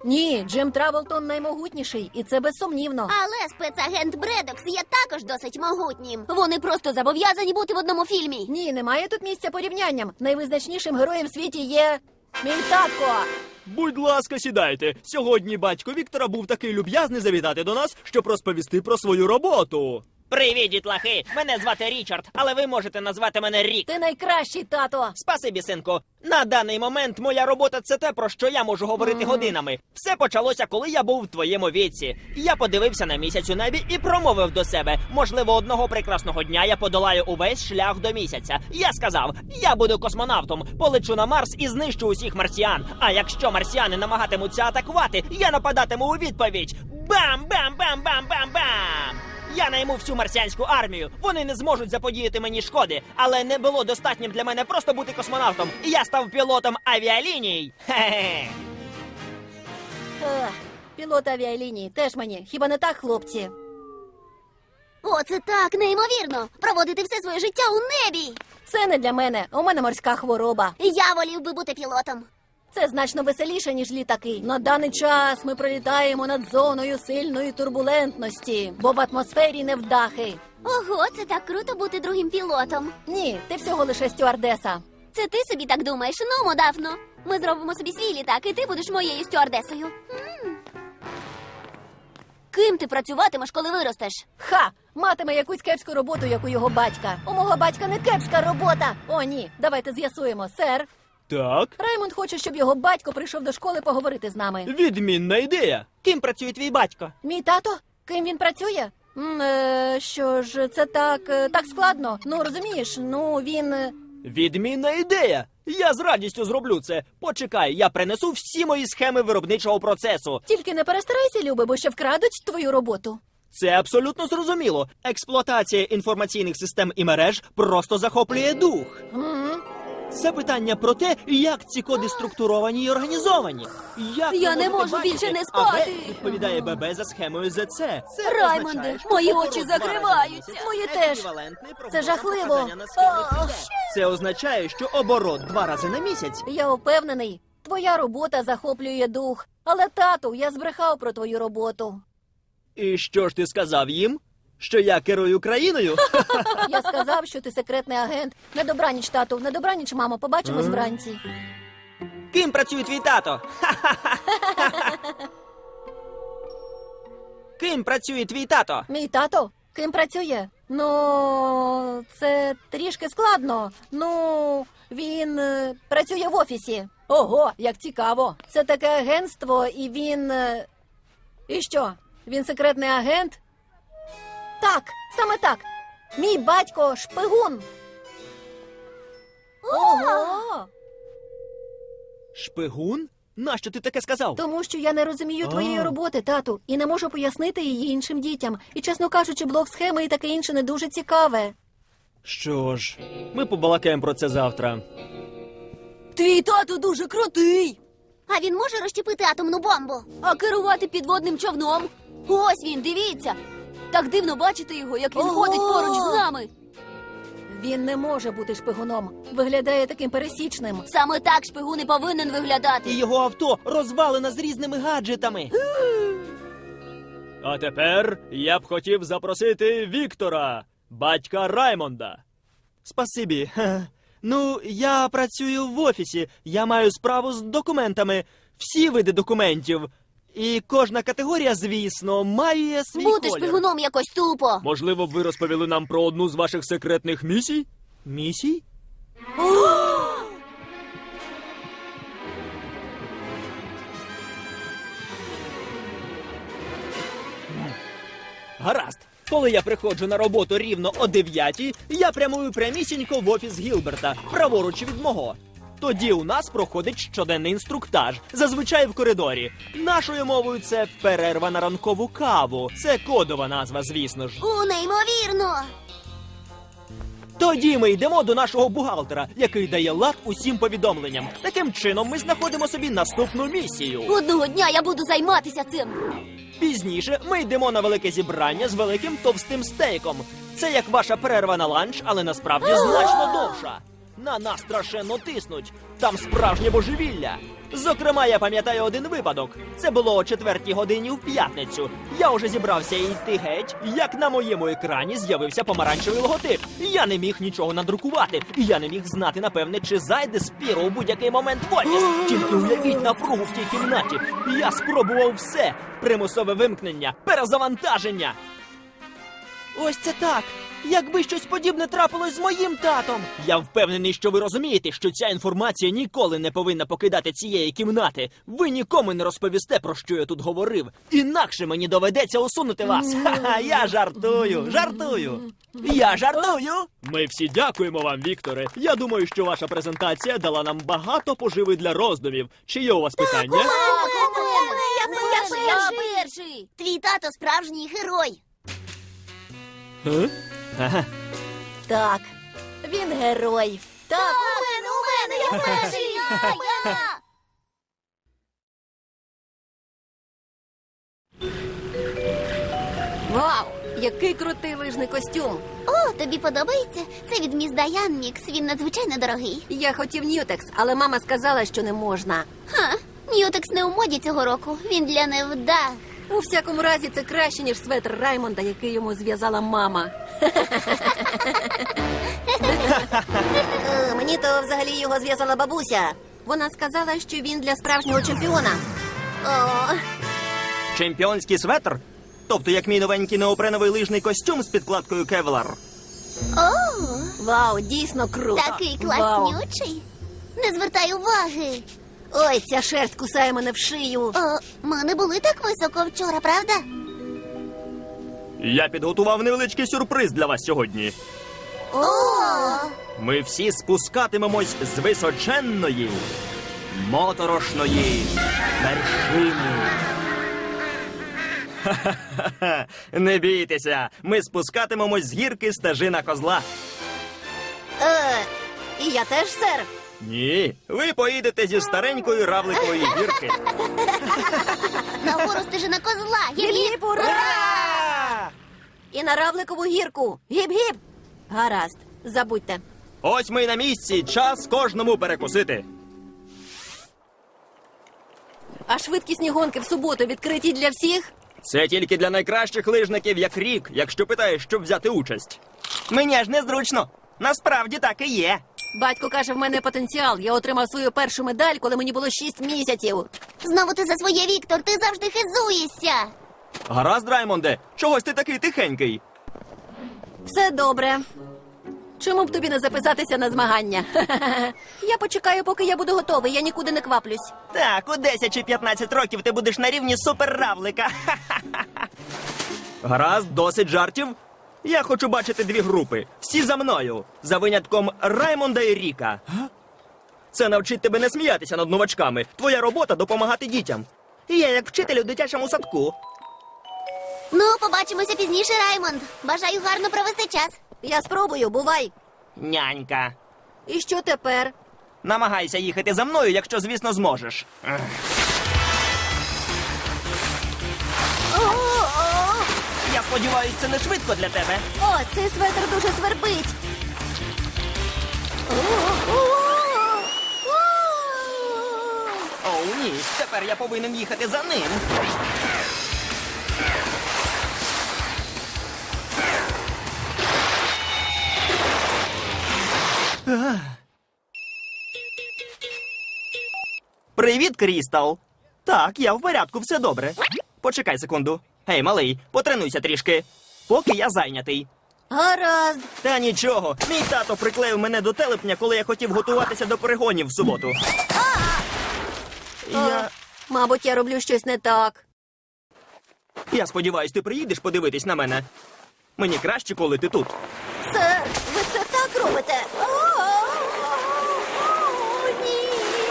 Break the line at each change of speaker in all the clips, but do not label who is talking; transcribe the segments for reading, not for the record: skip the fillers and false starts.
Ні, Джим Травелтон наймогутніший, і це безсумнівно.
Але спецагент Бредокс є також досить могутнім. Вони просто зобов'язані бути в одному фільмі.
Ні, немає тут місця порівнянням. Найвизначнішим героєм в світі є мій татко.
Будь ласка, сідайте. Сьогодні батько Віктора був такий люб'язний завітати до нас, щоб розповісти про свою роботу.
Привіт, дітлахи! Мене звати Річард, але ви можете назвати мене Рік.
Ти найкращий, тато.
Спасибі, синку. На даний момент моя робота – це те, про що я можу говорити годинами. Все почалося, коли я був в твоєму віці. Я подивився на місяць у небі і промовив до себе. Можливо, одного прекрасного дня я подолаю увесь шлях до місяця. Я сказав, я буду космонавтом, полечу на Марс і знищу усіх марсіан. А якщо марсіани намагатимуться атакувати, я нападатиму у відповідь. Бам-бам-бам-бам-бам-бам! Я найму всю марсіанську армію. Вони не зможуть заподіяти мені шкоди. Але не було достатнім для мене просто бути космонавтом. І я став пілотом авіаліній. Хе-хе.
Пілот авіалінії теж мені. Хіба не так, хлопці?
О, це так неймовірно! Проводити все своє життя у небі!
Це не для мене. У мене морська хвороба.
Я волів би бути пілотом.
Це значно веселіше, ніж літаки. На даний час ми пролітаємо над зоною сильної турбулентності, бо в атмосфері невдахи.
Ого, це так круто бути другим пілотом.
Ні, ти всього лише стюардеса.
Це ти собі так думаєш? Ну, Дафно. Ми зробимо собі свій літак, і ти будеш моєю стюардесою. Ким ти працюватимеш, коли виростеш?
Ха! Матиме якусь кепську роботу, як у його батька. У мого батька не кепська робота. О, ні, давайте з'ясуємо, сер.
Так,
Раймонд хоче, щоб його батько прийшов до школи поговорити з нами.
відмінна ідея.
Ким працює твій батько?
Мій тато? Ким він працює? Що ж, це так складно. Ну, розумієш, він...
Відмінна ідея. Я з радістю зроблю це. Почекай, я принесу всі мої схеми виробничого процесу.
Тільки не перестарайся, Любе, бо ще вкрадуть твою роботу.
Це абсолютно зрозуміло. Експлуатація інформаційних систем і мереж просто захоплює дух. Це питання про те, як ці коди структуровані і організовані. Як
Я
ви
не
можете
можу
бачити,
більше не
а
спати.
Б відповідає ББ за схемою ЗЦ. Це
Раймонде,
означає, що
мої
оборот
очі
два рази на
закриваються.
місяць
Мої теж.
еквівалентний прогнозам
Це жахливо.
показання на схемі ПД. Це означає, що оборот 2 рази на місяць.
Я впевнений, твоя робота захоплює дух. Але, тату, я збрехав про твою роботу.
І що ж ти сказав їм? Що я керую країною?
Я сказав, що ти секретний агент. На добраніч, тату, на добраніч, мамо, побачимось вранці.
Ким працює твій тато? Ким працює твій тато?
Мій тато? Ким працює? Це трішки складно. Він працює в офісі. Ого, як цікаво. Це таке агентство, і він... І що? Він секретний агент? Так, саме так. Мій батько шпигун. Ого!
Шпигун? Нащо ти таке сказав?
Тому що я не розумію твоєї роботи, тату, і не можу пояснити її іншим дітям. І, чесно кажучи, блок схеми і таке інше не дуже цікаве.
Що ж, ми побалакаємо про це завтра.
Твій тато дуже крутий. А він може розщепити атомну бомбу? А керувати підводним човном? Ось він, дивіться. Так дивно бачити його, як він ходить поруч з нами.
Він не може бути шпигуном. Виглядає таким пересічним.
Саме так шпигун і повинен виглядати.
І його авто розвалено з різними гаджетами.
А тепер я б хотів запросити Віктора, батька Раймонда. Спасибі. Ну, я працюю в офісі. Я маю справу з документами. Всі види документів. І кожна категорія, звісно, має свій
Бути
колір.
шпигуном якось тупо.
Можливо, б ви розповіли нам про одну з ваших секретних місій? Місій? Гаразд. Коли я приходжу на роботу рівно о 9:00, я прямую прямісінько в офіс Гілберта, праворуч від мого. Тоді у нас проходить щоденний інструктаж, зазвичай в коридорі. Нашою мовою це перерва на ранкову каву. Це кодова назва, звісно ж.
Неймовірно.
Тоді ми йдемо до нашого бухгалтера, який дає лад усім повідомленням. Таким чином ми знаходимо собі наступну місію.
Одного дня я буду займатися цим.
Пізніше ми йдемо на велике зібрання з великим товстим стейком. Це як ваша перерва на ланч, але насправді значно довша.
На нас страшенно тиснуть. Там справжнє божевілля. Зокрема, я пам'ятаю один випадок. Це було о 4-й годині в п'ятницю. Я уже зібрався йти геть, як на моєму екрані з'явився помаранчевий логотип. Я не міг нічого надрукувати, і я не міг знати, напевне, чи зайде Спіро у будь-який момент в офіс. Тільки уявіть напругу в тій кімнаті. Я спробував все. Примусове вимкнення, перезавантаження. Ось це так. Якби щось подібне трапилось з моїм татом. Я впевнений, що ви розумієте, що ця інформація ніколи не повинна покидати цієї кімнати. Ви нікому не розповісте, про що я тут говорив. Інакше мені доведеться усунути вас. Ха-ха, я жартую. Я жартую. Ми всі дякуємо вам, Вікторе. Я думаю, що ваша презентація дала нам багато поживи для роздумів. Чи є у вас питання?
Я перший. Твій тато справжній герой.
Ага.
Так, він герой. Так,
У мене, я перший. Я.
вау, який крутий лижний костюм.
О, тобі подобається? Це від міс Даян Мікс. Він надзвичайно дорогий.
Я хотів Ньютекс, але мама сказала, що не можна.
Ха, Ньютекс не у моді цього року. Він для невдах.
У всякому разі, це краще, ніж светр Раймонда, який йому зв'язала мама. Мені то взагалі його зв'язала бабуся. Вона сказала, що він для справжнього чемпіона. О,
Чемпіонський светр? Тобто як мій новенький неопреновий лижний костюм з підкладкою Кевлар.
О,
вау, дійсно круто.
такий
Вау.
класнючий. Не звертай уваги.
Ой, ця шерсть кусає мене в шию.
О, ми не були так високо вчора, правда?
Я підготував невеличкий сюрприз для вас сьогодні.
О,
Ми всі спускатимемось з височенної, моторошної вершини. Ха-ха-ха! Не бійтеся, ми спускатимемось з гірки стежина козла.
І я теж, сер.
Ні, ви поїдете зі старенької равликової гірки.
нагору стежина козла.
Гіп-гіп, ура! І на Равликову гірку. Гіп-гіп. Гаразд, забудьте.
Ось ми й на місці, час кожному перекусити.
А швидкісні гонки в суботу відкриті для всіх?
Це тільки для найкращих лижників, як Рік, якщо питаєш, щоб взяти участь. Мені аж незручно. Насправді так і є.
Батько каже, в мене потенціал. Я отримав свою першу медаль, коли мені було 6 місяців.
Знову ти за своє, Віктор, ти завжди хизуєшся.
Гаразд, Раймонде, чогось ти такий тихенький.
Все добре. Чому б тобі не записатися на змагання? Я почекаю, поки я буду готовий, я нікуди не кваплюсь.
Так, у 10 чи 15 років ти будеш на рівні суперравлика. Гаразд, досить жартів. Я хочу бачити дві групи. Всі за мною. За винятком Раймонда і Ріка. Це навчить тебе не сміятися над новачками. Твоя робота — допомагати дітям. І я як вчитель у дитячому садку.
Ну, побачимося пізніше, Раймонд. Бажаю гарно провести час.
Я спробую, бувай.
Нянька.
І що тепер?
Намагайся їхати за мною, якщо, звісно, зможеш. Я сподіваюся, це не швидко для тебе.
О, цей светр дуже свербить.
Оу, ні, тепер я повинен їхати за ним. Привіт, Крістал. Так, я в порядку, все добре. Почекай секунду. Гей, малий, потренуйся трішки, поки я зайнятий.
Гаразд.
Та нічого, мій тато приклеїв мене до телепня, коли я хотів готуватися до перегонів в суботу.
Мабуть, я роблю щось не так.
Я сподіваюсь, ти приїдеш подивитись на мене. Мені краще, коли ти тут.
Сер, ви це так робите? Ні.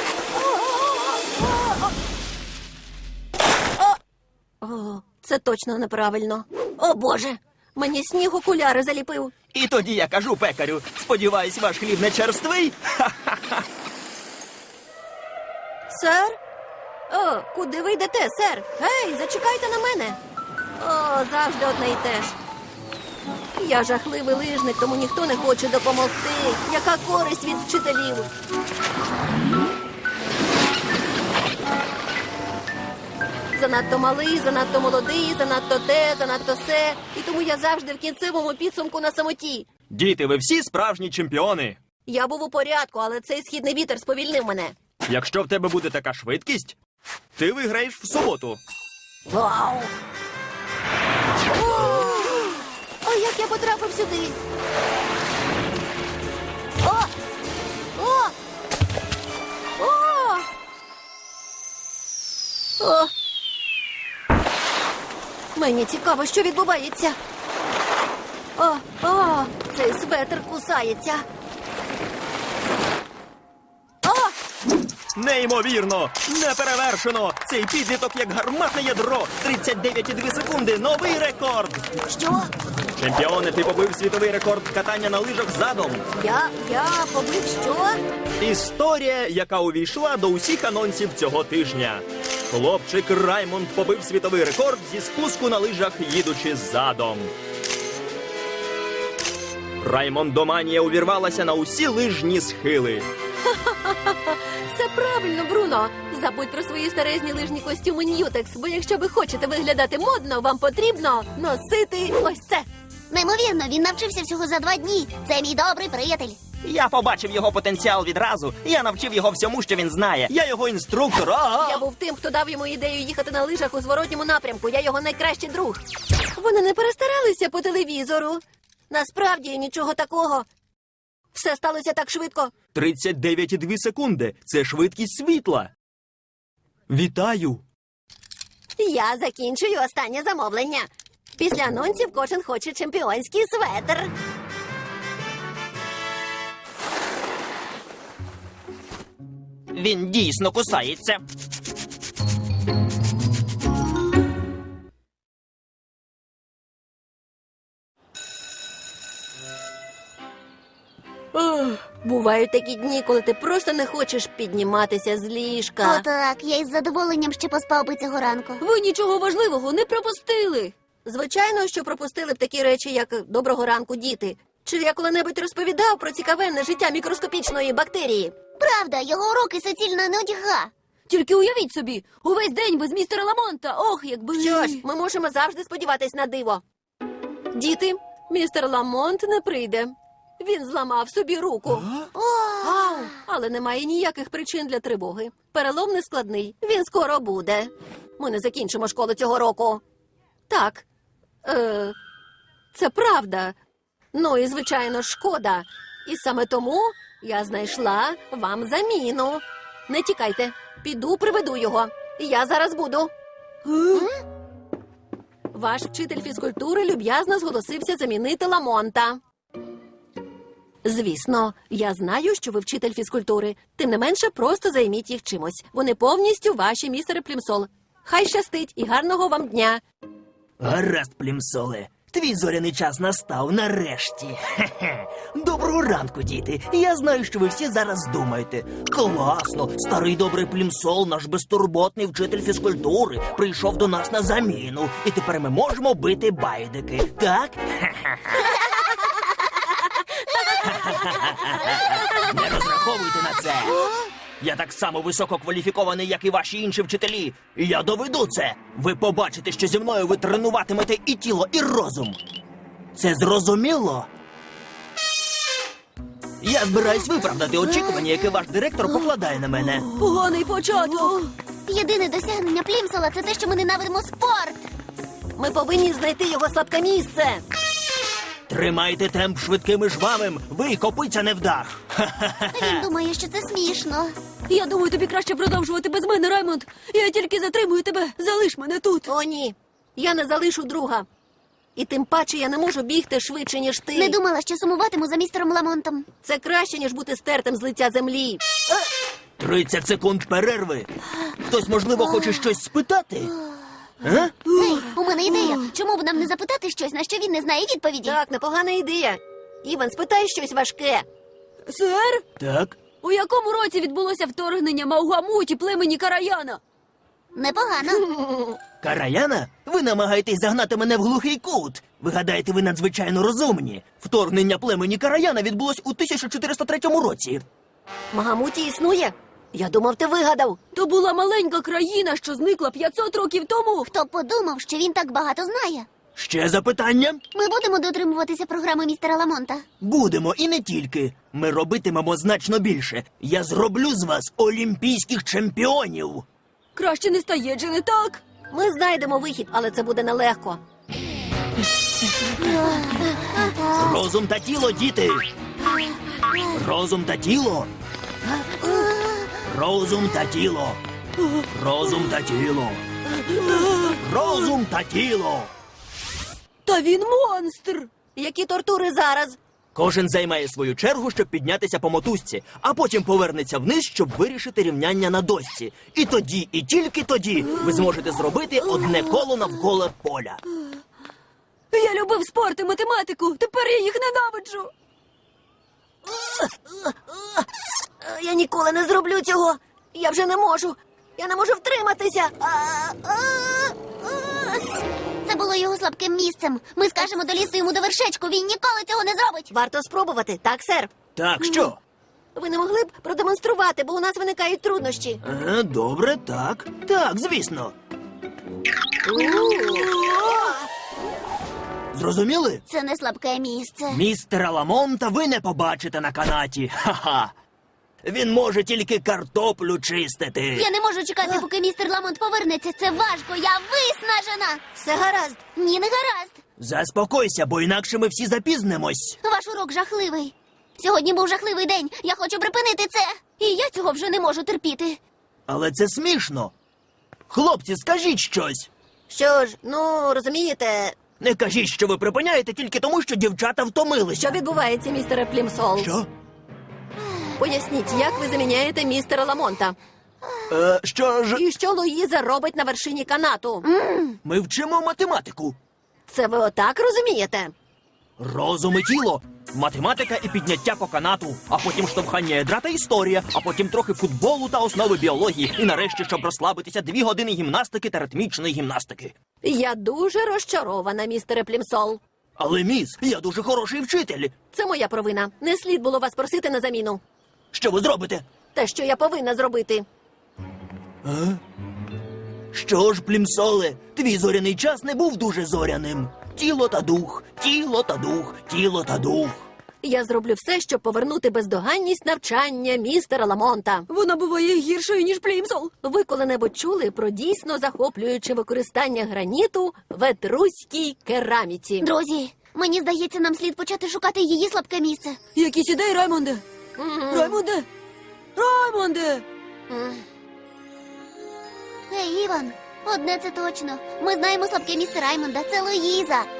О, це точно неправильно. О, Боже, мені сніг окуляри заліпив.
І тоді я кажу пекарю, сподіваюсь, ваш хліб не черствий?
Сер? О, куди ви йдете, сер? Гей, зачекайте на мене. О, завжди одне й те ж. Я жахливий лижник, тому ніхто не хоче допомогти. Яка користь від вчителів? Занадто малий, занадто молодий, занадто те, занадто се. І тому я завжди в кінцевому підсумку на самоті.
Діти, ви всі справжні чемпіони.
Я був у порядку, але цей східний вітер сповільнив мене.
Якщо в тебе буде така швидкість, ти виграєш в суботу.
Вау! О, як я потрапив сюди? О! О! О! О! Мені цікаво, що відбувається. О, цей светр кусається. О!
Неймовірно! Неперевершено! Цей підліток як гарматне ядро! 39,2 секунди! Новий рекорд!
Що?
Чемпіоне, ти побив світовий рекорд катання на лижах задом.
Я побив що?
Історія, яка увійшла до усіх анонсів цього тижня. Хлопчик Раймонд побив світовий рекорд зі спуску на лижах, їдучи задом. Раймондоманія увірвалася на усі лижні схили.
Все правильно, Бруно. Забудь про свої старезні лижні костюми Ньютекс, бо якщо ви хочете виглядати модно, вам потрібно носити ось це.
Неймовірно, він навчився всього за 2 дні. Це мій добрий приятель.
Я побачив його потенціал відразу. Я навчив його всьому, що він знає.
Я його інструктор.
Я був тим, хто дав йому ідею їхати на лижах у зворотньому напрямку. Я його найкращий друг. Вони не перестаралися по телевізору. Насправді нічого такого. Все сталося так швидко.
39,2 секунди. Це швидкість світла. Вітаю!
Я закінчую останнє замовлення. Після анонсів кожен хоче чемпіонський светр.
Він дійсно кусається.
Бувають такі дні, коли ти просто не хочеш підніматися з ліжка.
Отак, я із задоволенням ще поспав би цього ранку.
Ви нічого важливого не пропустили. Звичайно, що пропустили б такі речі, як «Доброго ранку, діти». Чи я коли-небудь розповідав про цікавенне життя мікроскопічної бактерії?
Правда, його уроки суцільна нудьга.
Тільки уявіть собі, увесь день без містера Ламонта. Ох, якби...
Що ж, ми можемо завжди сподіватись на диво. Діти, містер Ламонт не прийде. Він зламав собі руку. Ау! Але немає ніяких причин для тривоги. Перелом не складний. Він скоро буде. Ми не закінчимо школу цього року. Так. Це правда. Ну і, звичайно, шкода. І саме тому я знайшла вам заміну. Не тікайте. Піду, приведу його. Я зараз буду. Ваш вчитель фізкультури люб'язно зголосився замінити Ламонта. Звісно, я знаю, що ви вчитель фізкультури. Тим не менше, просто займіть їх чимось. Вони повністю ваші, містере Плімсол. Хай щастить і гарного вам дня.
Гаразд, Плімсоле. Твій зоряний час настав нарешті. Хе-хе. Доброго ранку, діти. Я знаю, що ви всі зараз думаєте. Класно, старий добрий Плімсол, наш безтурботний вчитель фізкультури, прийшов до нас на заміну. І тепер ми можемо бити байдики, так? Не розраховуйте на це. Я так само висококваліфікований, як і ваші інші вчителі. І я доведу це. Ви побачите, що зі мною ви тренуватимете і тіло, і розум. Це зрозуміло? Я збираюсь виправдати очікування, яке ваш директор покладає на мене.
Поганий початок.
Єдине досягнення Плімсола – це те, що ми ненавидимо спорт.
Ми повинні знайти його слабке місце.
Тримайте темп швидким і жвавим. Ви копиця не вдах.
Він думає, що це смішно.
Я думаю, тобі краще продовжувати без мене, Раймонд. Я тільки затримую тебе. Залиш мене тут.
О, ні. Я не залишу друга. І тим паче я не можу бігти швидше, ніж ти.
Не думала, що сумуватиму за містером Ламонтом.
Це краще, ніж бути стертим з лиця землі.
30 секунд перерви. Хтось, можливо, хоче щось спитати? А?
Ей, у мене ідея. Чому б нам не запитати щось, на що він не знає відповіді?
Так, непогана ідея. Іван, спитай щось важке.
Сер,
Так.
у якому році відбулося вторгнення Маугамуті племені Караяна?
Непогано.
Караяна? Ви намагаєтесь загнати мене в глухий кут. Ви гадаєте, ви надзвичайно розумні? Вторгнення племені Караяна відбулось у 1403 році.
Магамуті існує? Я думав, ти вигадав.
То була маленька країна, що зникла 500 років тому.
Хто б подумав, що він так багато знає?
Ще запитання?
Ми будемо дотримуватися програми містера Ламонта.
Будемо і не тільки. Ми робитимемо значно більше. Я зроблю з вас олімпійських чемпіонів.
Краще не стає, чи не так?
Ми знайдемо вихід, але це буде нелегко.
Розум та тіло, діти. Розум та тіло. Розум та тіло. Розум та тіло. Розум та тіло.
Та він монстр!
Які тортури зараз?
Кожен займає свою чергу, щоб піднятися по мотузці, а потім повернеться вниз, щоб вирішити рівняння на дошці. І тоді, і тільки тоді ви зможете зробити одне коло навколо поля.
Я любив спорт і математику, тепер я їх ненавиджу.
Я ніколи не зроблю цього. Я вже не можу. Я не можу втриматися.
Це було його слабким місцем. Ми скажемо долізти йому до вершечку, він ніколи цього не зробить.
Варто спробувати, так, сер?
Так, що?
Ви не могли б продемонструвати, бо у нас виникають труднощі.
Добре, так. Так, звісно. Зрозуміли?
Це не слабке місце.
Містера Ламонта ви не побачите на канаті. Ха-ха. Він може тільки картоплю чистити.
Я не можу чекати, поки містер Ламонт повернеться. Це важко, я виснажена.
Все гаразд.
Ні, не гаразд.
Заспокойся, бо інакше ми всі запізнимось.
Ваш урок жахливий. Сьогодні був жахливий день. Я хочу припинити це. І я цього вже не можу терпіти.
Але це смішно. Хлопці, скажіть щось.
Що ж, ну, розумієте,
Не кажіть, що ви припиняєте тільки тому, що дівчата втомилися.
що відбувається, містере Плімсол?
Що?
Поясніть, як ви заміняєте містера Ламонта?
Що ж?
І що Луїза робить на вершині канату?
Ми вчимо математику.
Це ви отак розумієте?
Розум і тіло. Математика і підняття по канату, а потім штовхання ядра та історія, а потім трохи футболу та основи біології. І нарешті, щоб розслабитися, 2 години гімнастики та ритмічної гімнастики.
Я дуже розчарована, містере Плімсол.
Але, міс, я дуже хороший вчитель.
Це моя провина. Не слід було вас просити на заміну.
Що ви зробите?
Те, що я повинна зробити.
Що ж, Плімсоле, твій зоряний час не був дуже зоряним. Тіло та дух, тіло та дух, тіло та дух.
Я зроблю все, щоб повернути бездоганність навчання містера Ламонта.
Вона буває гіршою, ніж Плімсол.
Ви коли-небудь чули про дійсно захоплююче використання граніту в етруській кераміці?
Друзі, мені здається, нам слід почати шукати її слабке місце.
Якісь ідеї, Раймонде? Раймонде? Раймонде!
Ей, Іван, одне це точно. Ми знаємо слабке місце Раймонда. Це Луїза.